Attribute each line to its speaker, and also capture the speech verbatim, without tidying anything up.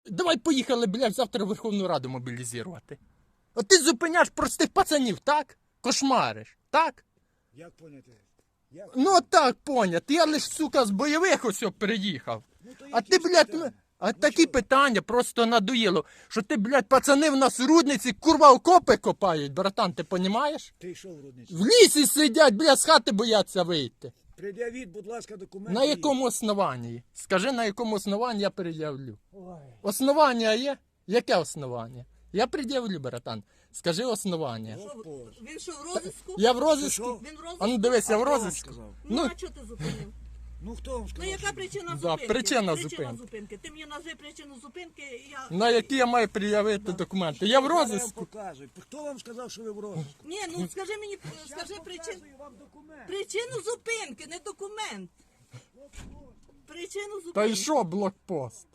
Speaker 1: Давай поїхали, блядь, завтра Верховну Раду мобілізувати. От ти зупиняєш простих пацанів, так? Кошмариш, так?
Speaker 2: Як поняти? Як?
Speaker 1: Ну так, понят. Я лиш, сука, з бойових ось приїхав.
Speaker 2: Ну, то
Speaker 1: А
Speaker 2: які
Speaker 1: ти,
Speaker 2: ж
Speaker 1: блядь,
Speaker 2: питання?
Speaker 1: м- а
Speaker 2: Ну,
Speaker 1: такі
Speaker 2: що?
Speaker 1: питання просто надоїло. Що ти, блядь, пацани в нас в рудниці, курва, окопи копають, братан, ти понімаєш?
Speaker 2: Ти що в рудниці?
Speaker 1: В лісі сидять, блядь, з хати бояться вийти.
Speaker 2: Пред'явіть, будь ласка, документи.
Speaker 1: На якому основанні? Скажи, на якому основанні я пред'явлю.
Speaker 2: Ой.
Speaker 1: Основання є? Яке основання? Я пред'явлю, братан. Скажи основання.
Speaker 2: Господь.
Speaker 3: Він що, в розиску?
Speaker 1: Я в
Speaker 2: Що,
Speaker 1: розиску.
Speaker 2: що?
Speaker 3: Він в розиску?
Speaker 1: А ну дивись, я в
Speaker 2: Хто вам
Speaker 1: розиску.
Speaker 2: сказав?
Speaker 3: Ну,
Speaker 1: Ну,
Speaker 3: а чого ти зупинив?
Speaker 2: Ну хто вам
Speaker 3: Ну,
Speaker 2: сказав?
Speaker 3: яка
Speaker 2: що-
Speaker 3: причина
Speaker 1: Да,
Speaker 3: зупинки?
Speaker 1: причина
Speaker 3: Причина
Speaker 1: зупинки.
Speaker 3: зупинки. Ти мені назви причину зупинки, і я...
Speaker 1: на які я маю пред'явити документи? Я в
Speaker 2: Зараз я вам
Speaker 1: розиску.
Speaker 2: покажу. Хто вам сказав, що ви в розиску?
Speaker 3: Ні, ну скажи мені, скажи
Speaker 2: Я
Speaker 3: причину.
Speaker 2: показую вам документ.
Speaker 3: Причину зупинки, не документ. Причину
Speaker 1: Та й
Speaker 3: зупинки.
Speaker 1: що блокпост?